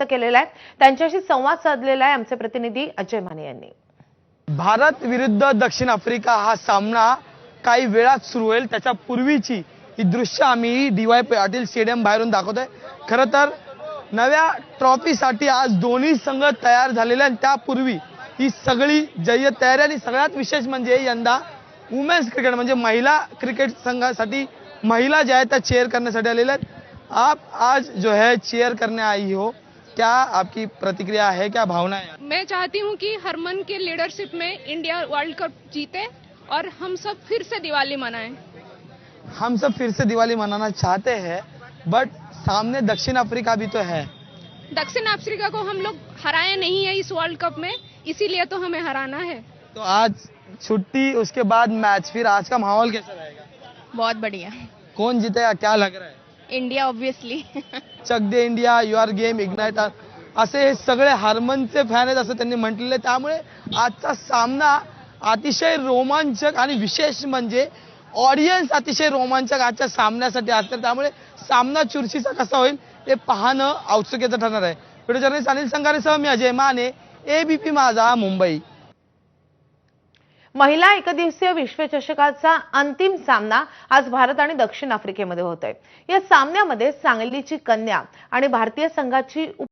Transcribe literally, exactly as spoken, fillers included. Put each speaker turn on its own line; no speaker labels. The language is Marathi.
केलेला आहे। त्यांच्याशी संवाद साधलेला आहे आमचे प्रतिनिधी अजय माने यांनी।
भारत विरुद्ध दक्षिण आफ्रिका हा सामना काही वेळात सुरू होईल, त्याच्या पूर्वीची ही दृश्य आम्ही डी वाय पाटील स्टेडियम बाहेरून दाखवतोय। खरं तर नव्या ट्रॉफीसाठी आज दोन्ही संघ तयार झालेले आणि त्यापूर्वी ही सगळी जय्यत तयारी आणि सगळ्यात विशेष म्हणजे यंदा वुमेन्स क्रिकेट म्हणजे महिला क्रिकेट संघासाठी महिला जो है त्या चेयर करण्यासाठी आलेल्या आहेत। आप आज जो है चेयर करने आई हो, क्या आपकी प्रतिक्रिया है, क्या भावना है?
मैं चाहती हूं कि हरमन के लीडरशिप में इंडिया वर्ल्ड कप जीते और हम सब फिर से दिवाली मनाएं।
हम सब फिर से दिवाली मनाना चाहते हैं, बट सामने दक्षिण अफ्रीका भी तो है।
दक्षिण अफ्रीका को हम लोग हराए नहीं है इस वर्ल्ड कप में, इसीलिए तो हमें हराना है।
तो आज छुट्टी, उसके बाद मैच, फिर आज का माहौल कैसा रहेगा?
बहुत बढ़िया।
कौन जीतेगा, क्या लग रहा है?
India obviously.
Chak De India, your game ignite असे हे सगळे हार्मनचे फॅन आहेत असं त्यांनी म्हटलेले। त्यामुळे आजचा सामना अतिशय रोमांचक आणि विशेष म्हणजे ऑडियन्स अतिशय रोमांचक आजच्या सामन्यासाठी असतात। त्यामुळे सामना चुरशीचा कसा होईल हे पाहणं औत्सुक्याचं ठरणार आहे। व्हिडिओ जर्नलिस्ट अनिल संगारेसह मी अजय माने, एबीपी माझा, मुंबई।
महिला एकदिवसीय विश्वचषकाचा अंतिम सामना आज भारत आणि दक्षिण आफ्रिकेमध्ये होतोय। या सामन्यामध्ये सांगलीची कन्या आणि भारतीय संघाची